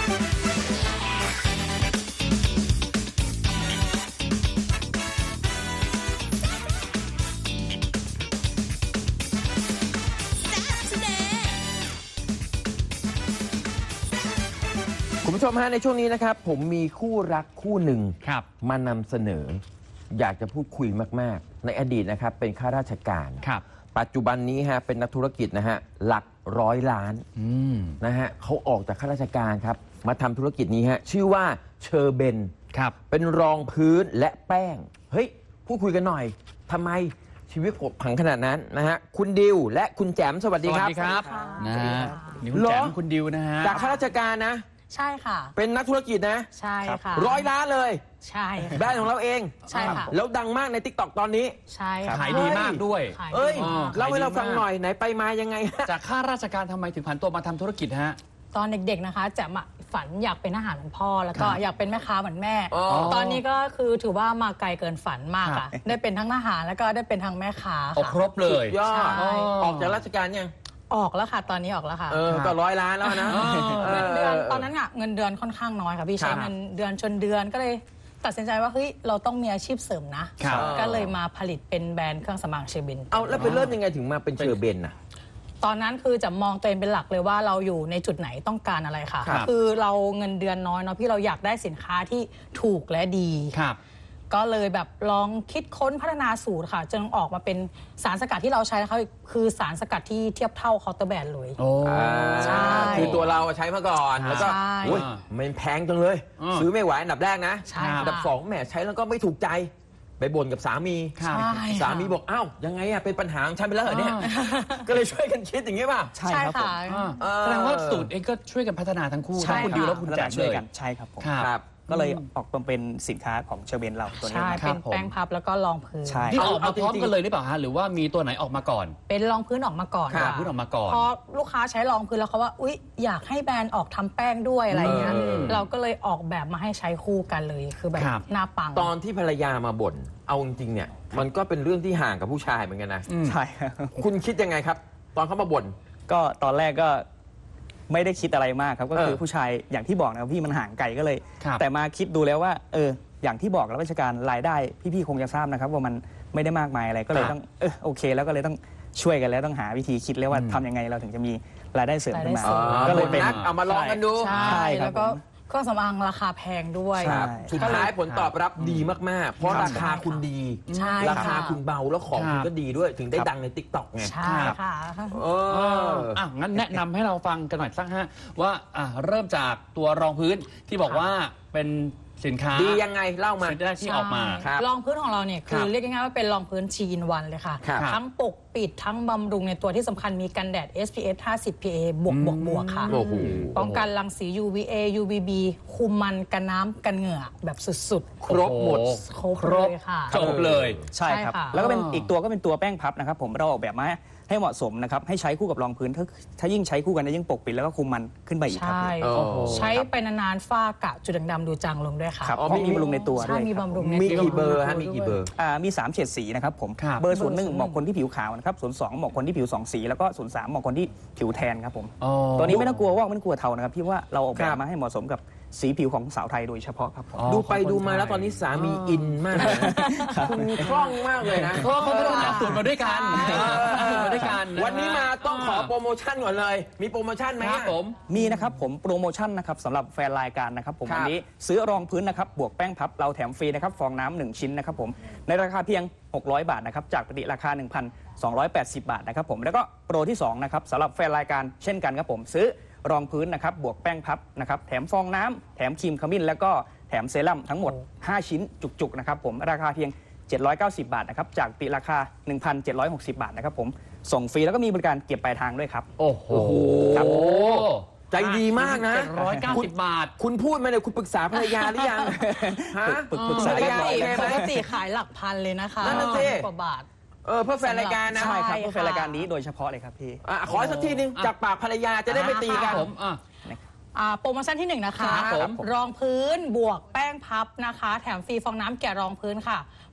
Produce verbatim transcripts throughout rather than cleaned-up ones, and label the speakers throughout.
Speaker 1: คุณผู้ชมฮะในช่วงนี้นะครับผมมีคู่รักคู่หนึ่งมานำเสนออยากจะพูดคุยมากๆในอดีตนะครับเป็นข้าราชการปัจจุบันนี้ฮะเป็นนักธุรกิจนะฮะหลักร้อยล้านนะฮะเขาออกจากข้าราชการครับมาทำธุรกิจนี้ฮะชื่อว่าเชอร์เบนเป็นรองพื้นและแป้งเฮ้ยพูดคุยกันหน่อยทำไมชีวิตกบผังขนาดนั้นนะฮะคุณดิวและคุณแจมสวัสดีครับ
Speaker 2: สวัสดีครับนะฮะนี่คุณแจมคุณดิวนะฮะ
Speaker 1: จากข้าราชการนะ
Speaker 3: ใช่ค่ะ
Speaker 1: เป็นนักธุรกิจนะ
Speaker 3: ใช่ค่ะ
Speaker 1: ร้อยล้านเลย
Speaker 3: ใช่
Speaker 1: แบรนด์ของเราเอง
Speaker 3: ใช่ค่ะ
Speaker 1: แล้วดังมากใน ติ๊กต็อก ตอนนี้
Speaker 3: ใช่ค่ะ
Speaker 2: ขายดีมากด้วย
Speaker 1: เอ้ยเล่าให้เราฟังหน่อยไหนไปมายังไง
Speaker 2: จากข้าราชการทำไมถึงผันตัวมาทำธุรกิจฮะ
Speaker 3: ตอนเด็กๆนะคะจะมาฝันอยากเป็นทหารเหมือนพ่อแล้วก็อยากเป็นแม่ค้าเหมือนแม่ตอนนี้ก็คือถือว่ามาไกลเกินฝันมากค่ะได้เป็นทั้งทหารแล้วก็ได้เป็นทั้งแม่ค้าค่ะ
Speaker 2: ครบเลย
Speaker 1: ยอดออกจากราชการยัง
Speaker 3: ออกแล้วค่ะตอนนี้ออกแล้วค่ะ
Speaker 1: เออก็ร้อยล้านแล้วนะ
Speaker 3: เงินเดือนตอนนั้นอะเงินเดือนค่อนข้างน้อยค่ะพี่ใช้เงินเดือนชนเดือนก็เลยตัดสินใจว่าเฮ้ยเราต้องมีอาชีพเสริมนะก็เลยมาผลิตเป็นแบรนด์เครื่องสำอางเชอร์เบน
Speaker 1: เอาแล้วไปเริ่มยังไงถึงมาเป็นเชอร์เบนน่ะ
Speaker 3: ตอนนั้นคือจะมองตัวเองเป็นหลักเลยว่าเราอยู่ในจุดไหนต้องการอะไรค่ะคือเราเงินเดือนน้อยเนาะพี่เราอยากได้สินค้าที่ถูกและดีก็เลยแบบลองคิดค้นพัฒนาสูตรค่ะจนออกมาเป็นสารสกัดที่เราใช้นะคะคือสารสกัดที่เทียบเท่าเคาน์เตอร์แบรนด์เลย
Speaker 1: ใช่คือตัวเราใช้มาก่อนแล้วก็มันแพงจังเลยซื้อไม่ไหวอันดับแรกนะอันดับสองแหมใช้แล้วก็ไม่ถูกใจไปบ่นกับสามีสามีบอกอ้าวยังไงอะเป็นปัญหาของฉันไปแล้วเหรอเนี่ยก็เลยช่วยกันคิดอย่างนี้ป่ะ
Speaker 3: ใช่ครับผม
Speaker 2: แสดงว่าสูตรเองก็ช่วยกันพัฒนาทั้งคู่ทั้งคุณดิวและคุณแจ๊คเลย
Speaker 4: ใช่ครับผมก็เลยออกมาเป็นสินค้าของเชอร์เบนเราตัวนี้
Speaker 3: ใช่เป็นแป้งพับแล้วก็รองพื้น
Speaker 2: ที่ออกมาพร้อมกันเลยหรือเปล่าฮะหรือว่ามีตัวไหนออกมาก่อน
Speaker 3: เป็นรองพื้นออกมาก่อน
Speaker 2: รองพื้นออกมาก่อน
Speaker 3: พอลูกค้าใช้รองพื้นแล้วเขาว่าอุ๊ยอยากให้แบรนด์ออกทำแป้งด้วยอะไรเงี้ยเราก็เลยออกแบบมาให้ใช้คู่กันเลยคือแบบหน้าปัง
Speaker 1: ตอนที่ภรรยามาบ่นเอาจริงๆเนี่ยมันก็เป็นเรื่องที่ห่างกับผู้ชายเหมือนกันนะ
Speaker 4: ใช่
Speaker 1: คุณคิดยังไงครับตอนเขามาบ่น
Speaker 4: ก็ตอนแรกก็ไม่ได้คิดอะไรมากครับก็คือผู้ชายอย่างที่บอกนะครับพี่มันห่างไกลก็เลยแต่มาคิดดูแล้วว่าเอออย่างที่บอกรับราชการรายได้พี่ๆคงจะทราบนะครับว่ามันไม่ได้มากมายอะไรก็เลยต้องเออโอเคแล้วก็เลยต้องช่วยกันแล้วต้องหาวิธีคิดแล้วว่าทำยังไงเราถึงจะมีรายได้เสริมขึ้นมา
Speaker 1: ก็เลยเป็นเอามาลองกันดู
Speaker 3: ใช่แล้วก็เครื่องสำอางราคาแพงด้วย
Speaker 1: สุดท้ายผลตอบรับดีมากๆเพราะราคาคุณดีราคาคุณเบาแล้วของคุณก็ดีด้วยถึงได้ดังใน ติ๊กต็อก ไง
Speaker 3: ใช่ค่ะ
Speaker 2: เอออ่ะงั้นแนะนำให้เราฟังกันหน่อยสักฮะว่าอ่ะเริ่มจากตัวรองพื้นที่บอกว่าเป็นสินค้า
Speaker 1: ดียังไงเล่ามา
Speaker 2: ที่ออกมาร
Speaker 3: องพื้นของเราเนี่ยคือเรียกง่ายๆว่าเป็นรองพื้นชีอินวันเลยค่ะทั้งปกปิดทั้งบำรุงในตัวที่สำคัญมีกันแดด เอส พี เอฟ ห้าสิบ พี เอ บวกบวกบวกค่ะป้องกันรังสี ยู วี เอ ยู วี บี คุมมันกันน้ำกันเหงื่อแบบสุด
Speaker 1: ๆครบหมด
Speaker 3: ครบเลยค่ะ
Speaker 2: จบเลย
Speaker 4: ใช่ครับแล้วก็เป็นอีกตัวก็เป็นตัวแป้งพับนะครับผมเราออกแบบมาให้เหมาะสมนะครับให้ใช้คู่กับรองพื้นถ้าถ้ายิ่งใช้คู่กันจะยิ่งปกปิดแล้วก็คุมมันขึ้นไปอีกครับ
Speaker 3: ใช่ใช้ไปนานๆฝ้ากระจุดด่างๆดูจางลงด้วยค่ะ
Speaker 4: เพราะมีบำรุงในตัวด้วย
Speaker 3: มีบำรุง
Speaker 1: มีกี่เบอร์ฮะมีกี่เบอร์
Speaker 4: อ่ามีสามเฉดสีนะครับผมเบอร์ศูนย์หนึ่งเหมาะคนที่ผิวขาวนะครับศูนย์สองเหมาะคนที่ผิวสองสีแล้วก็ศูนย์สามเหมาะคนที่ผิวแทนครับผมตัวนี้ไม่ต้องกลัวว่าไม่ต้องกลัวเทานะครับพี่ว่าเราออกแบบมาให้เหมาะสมกับสีผิวของสาวไทยโดยเฉพาะครับ
Speaker 1: ดูไปดูมาแล้วตอนนี้สามีอินมากคุณคล่องมากเลยนะ
Speaker 2: เพราะเขาพัฒนาสูตรมาด้วยกันสูตรมาด้วยกัน
Speaker 1: วันนี้มาต้องขอโปรโมชั่นก่อนเลยมีโปรโมชั่นไหม
Speaker 2: ครับผม
Speaker 4: มีนะครับผมโปรโมชั่นนะครับสำหรับแฟนรายการนะครับผมวันนี้ซื้อรองพื้นนะครับบวกแป้งพับเราแถมฟรีนะครับฟองน้ำหนึ่งชิ้นนะครับผมในราคาเพียงหกร้อยบาทนะครับจากปกติราคา หนึ่งพันสองร้อยแปดสิบ บาทนะครับผมแล้วก็โปรที่สองนะครับสำหรับแฟนรายการเช่นกันครับผมซื้อรองพื้นนะครับบวกแป้งพับนะครับแถมฟองน้ำแถมครีมขมิ้นแล้วก็แถมเซรั่มทั้งหมดห้าชิ้นจุกๆนะครับผมราคาเพียงเจ็ดร้อยเก้าสิบบาทนะครับจากปกติราคา หนึ่งพันเจ็ดร้อยหกสิบ บาทนะครับผมส่งฟรีแล้วก็มีบริการเก็บปลายทางด้วยครับ
Speaker 2: โอ้โห
Speaker 1: ครับใจดีมากนะ
Speaker 2: เจ็ดร้อยเก้าสิบบาท
Speaker 1: คุณพูดมาเนี่ยคุณปรึกษาภรรยาหรือยังฮะ
Speaker 4: ปรึกษาภรรยา
Speaker 3: ปกติขายหลักพันเลยนะคะ
Speaker 1: นั่นสิ
Speaker 3: กว่าบาท
Speaker 1: เออเพื่อแฟนรายการนะ
Speaker 4: ใช่ครับเพื่อแฟนรายการนี้โดยเฉพาะเลยครับพี่
Speaker 1: ขอสักทีนึงจากปากภรรยาจะได้ไม่ตีกัน
Speaker 2: ผม
Speaker 3: โปรโมชั่นที่หนึ่งนะคะรองพื้นบวกแป้งพับนะคะแถมฟรีฟองน้ำแกะรองพื้นค่ะ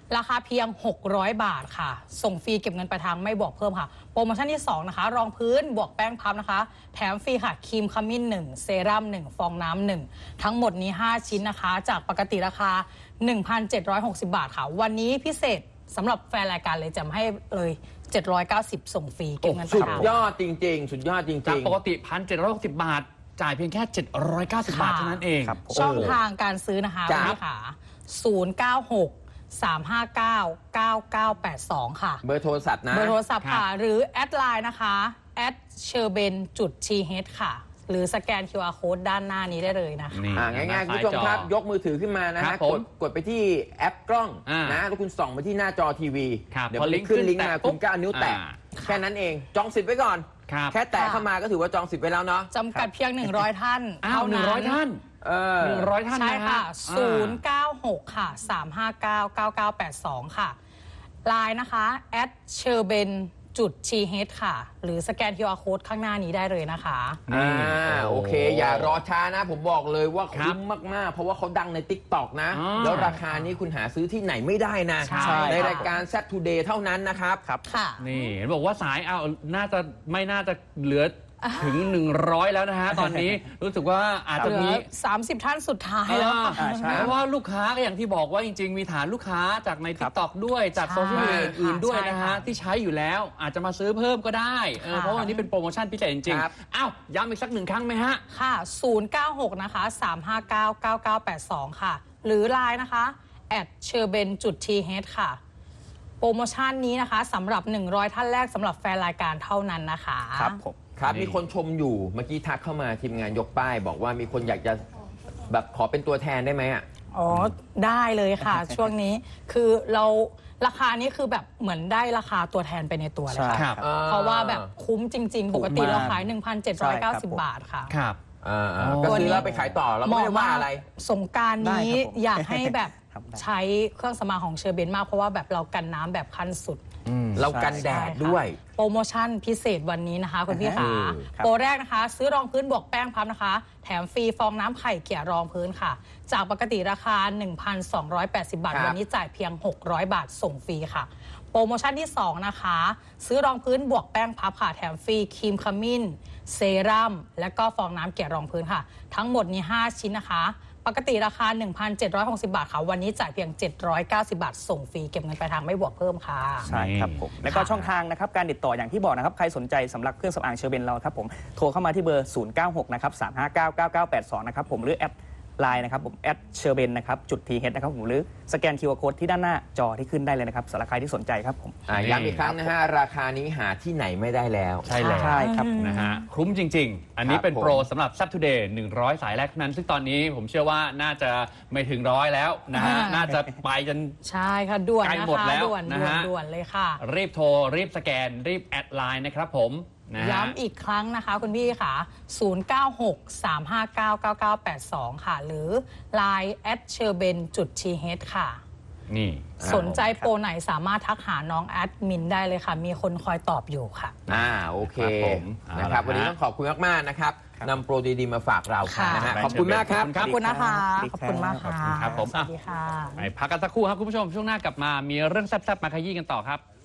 Speaker 3: ราคาเพียง หกร้อย บาทค่ะ ส่งฟรีเก็บเงินปลายทางไม่บวกเพิ่มค่ะ โปรโมชั่นที่สองนะคะรองพื้นบวกแป้งพับนะคะ แถมฟรีค่ะครีมขมิ้นหนึ่งเซรั่มหนึ่งฟองน้ำหนึ่งทั้งหมดนี้ห้าชิ้นนะคะ จากปกติราคา หนึ่งพันเจ็ดร้อยหกสิบ บาทค่ะ วันนี้พิเศษสำหรับแฟนรายการเลยจะให้เลยเจ็ดร้อยเก้าสิบส่งฟรีเก็บเงินป
Speaker 1: สุ
Speaker 3: ลาย
Speaker 1: ด
Speaker 3: ทาง
Speaker 1: ยอดจริง ๆ สุดยอดจ
Speaker 2: จาก
Speaker 1: ริง
Speaker 2: ปกติ หนึ่งพันเจ็ดร้อยหกสิบ บาท จ่ายเพียงแค่ เจ็ดร้อยเก้าสิบ บาทเท่านั้นเอง
Speaker 4: ครับผม
Speaker 3: ช่องทางการซื้อนะคะ
Speaker 1: จ้ะ
Speaker 3: คุณพี่ค่ะศูนย์ เก้า หก สาม ห้า เก้า เก้า เก้า แปด สอง ค่ะ
Speaker 1: ๆ เบอร์โทรศัพท์นะ
Speaker 3: เบอร์โทรศัพท์
Speaker 2: ครั
Speaker 3: ค่ะ
Speaker 2: บ
Speaker 3: หรือแอดไลน์นะคะแอดเชอร์เบนจุดทีเฮดค่ะ หรือสแกน คิว อาร์ Code ด้านหน้านี้ได้เลยนะคะ
Speaker 2: นี่
Speaker 1: อ่าง่ายๆคุณผู้ชมครับ ยกมือถือขึ้นมานะ
Speaker 2: ครั
Speaker 1: ฮะ
Speaker 2: บผม
Speaker 1: กดกดไปที่แอปกล้อง
Speaker 2: อ่าน
Speaker 1: นะแล้วคุณส่องไปที่หน้าจอทีวี
Speaker 2: ครับ
Speaker 1: เดี๋ยว
Speaker 2: พอ
Speaker 1: มัน
Speaker 2: ลิ
Speaker 1: จะ
Speaker 2: งก์
Speaker 1: ขึ้น
Speaker 2: ขึ้น
Speaker 1: ลิงก์
Speaker 2: แตะ
Speaker 1: มา
Speaker 2: ปุ๊
Speaker 1: คุ
Speaker 2: บ
Speaker 1: ณก็เอานิ้วแตะ
Speaker 2: อ่า
Speaker 1: แค่นั้นเองจองสิทธิ์ไว้ก่อน
Speaker 2: ครับ
Speaker 1: แค่แตะ
Speaker 3: ค่ะ
Speaker 1: เข้ามาก็ถือว่าจองสิทธิ์ไว้แล้วเนาะ
Speaker 3: จำกัดเพียง หนึ่งร้อย ท่าน
Speaker 2: อ้าว
Speaker 3: เท่า
Speaker 2: หนึ่
Speaker 3: นั้
Speaker 2: งร้อย
Speaker 3: น
Speaker 2: ท่าน
Speaker 1: เออ
Speaker 2: หนึ่งร้อยท่าน
Speaker 3: ใช่
Speaker 2: นะ
Speaker 3: ค่ะ
Speaker 2: ฮะ
Speaker 3: ศูนย์ เก้า หก ค่ะ สาม ห้า เก้า เก้า เก้า แปด สอง ค่ะไลน์นะคะแอดเชอร์เบนจุดทีเฮดค่ะ หรือสแกน คิว อาร์ Code ข้างหน้านี้ได้เลยนะคะ
Speaker 1: อ่า
Speaker 2: นี่
Speaker 1: โอเค อย่ารอช้านะ ผมบอกเลยว่า
Speaker 2: ครับ
Speaker 1: คุ้มมาก ๆ เพราะว่าเขาดังใน ติ๊กต็อก นะ
Speaker 2: อ่า
Speaker 1: แล้วราคานี้คุณหาซื้อที่ไหนไม่ได้นะ
Speaker 3: ใช่
Speaker 1: ในรายการ Set Today เท่านั้นนะครับ
Speaker 3: ค่ะ
Speaker 2: นี่เห็นบอกว่าสายเอาน่าจะไม่น่าจะเหลือถึง หนึ่งร้อย แล้วนะฮะ ตอนนี้รู้สึกว่าอาจจะ
Speaker 3: เหลื
Speaker 2: มี
Speaker 3: อ สามสิบ ท่านสุดท้ายแล้วค่ะ
Speaker 4: อ่าใช่
Speaker 2: เพราะว่าลูกค้าก็อย่างที่บอกว่าจริง ๆ มีฐานลูกค้าจากใน
Speaker 4: ครั
Speaker 2: ทิ
Speaker 4: บ
Speaker 2: กตอกด้วยจาก
Speaker 3: ใช่
Speaker 2: โซเชียลมีเดียอื่นๆด้วยนะ
Speaker 3: ใช่
Speaker 2: ฮะ
Speaker 3: ค่ะ
Speaker 2: ที่ใช้อยู่แล้วอาจจะมาซื้อเพิ่มก็ได้เออ
Speaker 3: ค่ะ
Speaker 2: เพราะว่าวันนี้เป็นโปรโมชั่นพิเศษจริง
Speaker 1: ครับ
Speaker 2: ๆอ้าวย้ำอีกสักหนึ่งครั้งไหมฮะ
Speaker 3: ค่ะ ศูนย์ เก้า หก นะคะ สาม ห้า เก้า เก้า เก้า แปด สอง ค่ะ หรือไลน์นะคะแอดเชอร์เบนจุดทีเฮดค่ะ โปรโมชั่นนี้นะคะสำหรับ หนึ่งร้อย ท่านแรกสำหรับแฟนรายการเท่านั้นนะคะ
Speaker 4: ครับผม
Speaker 1: ครับ
Speaker 2: นี่
Speaker 1: มีคนชมอยู่เมื่อกี้ทักเข้ามาทีมงานยกป้าย บอกว่ามีคนอยากจะแบบขอเป็นตัวแทนได้ไหมอ่ะ
Speaker 3: อ๋อ ได้เลยค่ะ ช่วงนี้คือเราราคานี้คือแบบเหมือนได้ราคาตัวแทนไปในตัวเลย
Speaker 4: ใช่
Speaker 3: ค่ะ
Speaker 2: ครับ
Speaker 3: เพราะว่าแบบคุ้มจริง ๆ ปกติเราขาย หนึ่งพันเจ็ดร้อยเก้าสิบ
Speaker 4: ใช่ครับผม
Speaker 3: บาทค่ะ
Speaker 2: ครับ
Speaker 1: อ่า
Speaker 2: โอ้
Speaker 1: ๆก็ซื้อแล้วไปขายต่อเราก็ไม่ได้ว่าอะไร
Speaker 3: สงกรารนี้
Speaker 4: ได้ครับผม
Speaker 3: อยากให้แบบ
Speaker 4: ครับได้
Speaker 3: ใช้เครื่องสำอางของเชอร์เบนมากเพราะว่าแบบเรากันน้ำแบบขั้นสุด
Speaker 1: เรากันแดดด้วย
Speaker 3: โปรโมชั่นพิเศษวันนี้นะคะคุณพี่ขา
Speaker 1: อืม
Speaker 4: ครับ
Speaker 3: โปรแรกนะคะ ซื้อรองพื้นบวกแป้งพับนะคะ แถมฟรีฟองน้ำไข่เกี่ยรองพื้นค่ะ จากปกติราคา หนึ่งพันสองร้อยแปดสิบ บาท
Speaker 1: ครับ
Speaker 3: วันนี้จ่ายเพียง หกร้อย บาทส่งฟรีค่ะ โปรโมชั่นที่สองนะคะ ซื้อรองพื้นบวกแป้งพับค่ะแถมฟรีครีมขมิ้นเซรั่มและก็ฟองน้ำเกี่ยรองพื้นค่ะ ทั้งหมดนี้ห้าชิ้นนะคะ ปกติราคา หนึ่งพันเจ็ดร้อยหกสิบ บาทค่ะวันนี้จ่ายเพียง เจ็ดร้อยเก้าสิบ บาทส่งฟรีเก็บเงินปลายทางไม่บวกเพิ่มค่ะ
Speaker 4: ใช่ครับผมแล้วก็ช่องทางนะครับการติดต่ออย่างที่บอกนะครับใครสนใจสำหรับเครื่องสำอางเชอร์เบนเราครับผมโทรเข้ามาที่เบอร์ ศูนย์ เก้า หก นะครับ สาม ห้า เก้า เก้า เก้า แปด สอง นะครับผมหรือแอดไลน์นะครับผมแอดเชอร์เบนนะครับจุดทีเฮดนะครับผมหรือสแกน คิว อาร์ Code ที่ด้านหน้าจอที่ขึ้นได้เลยนะครับสำหรับใครที่สนใจครับผม
Speaker 1: อ่ะย้ำอีกครั้งนะฮะ ราคานี้หาที่ไหนไม่ได้แล้ว
Speaker 2: ใช่แล้ว
Speaker 4: ใช่ครับ
Speaker 2: นะฮะคุ้มจริง ๆ อันนี้
Speaker 1: ครับ
Speaker 2: เป็น
Speaker 1: ผม
Speaker 2: โปรสำหรับ Saturday หนึ่งร้อย สายแรกเท่านั้น ซึ่งตอนนี้ผมเชื่อว่าน่าจะไม่ถึงร้อยแล้วนะฮะ
Speaker 3: อ่า
Speaker 2: น่าจะไปจน
Speaker 3: ใช่ค่ะด่วน
Speaker 2: ใกล้
Speaker 3: นะ
Speaker 2: หมด
Speaker 3: คะ
Speaker 2: แล้ว
Speaker 3: ด่วน
Speaker 2: นะ
Speaker 3: ด่วน
Speaker 2: ฮะ
Speaker 3: ด่วนเลยค่ะ
Speaker 2: รีบโทร รีบสแกน รีบแอดไลน์นะครับผมนะฮะ
Speaker 3: ย้ำอีกครั้งนะคะคุณพี่ค่ะ ศูนย์ เก้า หก สาม ห้า เก้า เก้า เก้า แปด สอง ค่ะ หรือ ไลน์ แอดเชอร์เบนจุดทีเฮดค่ะ
Speaker 2: นี่
Speaker 3: สนใจโปรไหนสามารถทักหาน้องแอดมินได้เลยค่ะ มีคนคอยตอบอยู่ค่ะ
Speaker 1: อ่าโอเค
Speaker 2: ครับผม
Speaker 1: นะครับ
Speaker 2: เอาละฮะ
Speaker 1: วันนี้ต้องขอบคุณมาก ๆ นะครับ
Speaker 4: ครับ
Speaker 1: นำโปรดี ๆ มาฝากเรา
Speaker 3: ค่ะ
Speaker 1: นะฮะ
Speaker 2: แบรนด์
Speaker 1: ขอบคุณมากครับ
Speaker 2: เชอร์เบน
Speaker 3: ขอบคุณนะคะ
Speaker 4: สวัสดี
Speaker 3: ข
Speaker 4: ครับ
Speaker 3: อบคุณมากค่ะ
Speaker 2: ครับผม
Speaker 3: สวัสดีค่ะ
Speaker 2: ไปพักกันสักครู่ครับคุณผู้ชมช่วงหน้ากลับมามีเรื่องแซ่บๆมาขยี้กันต่อครับ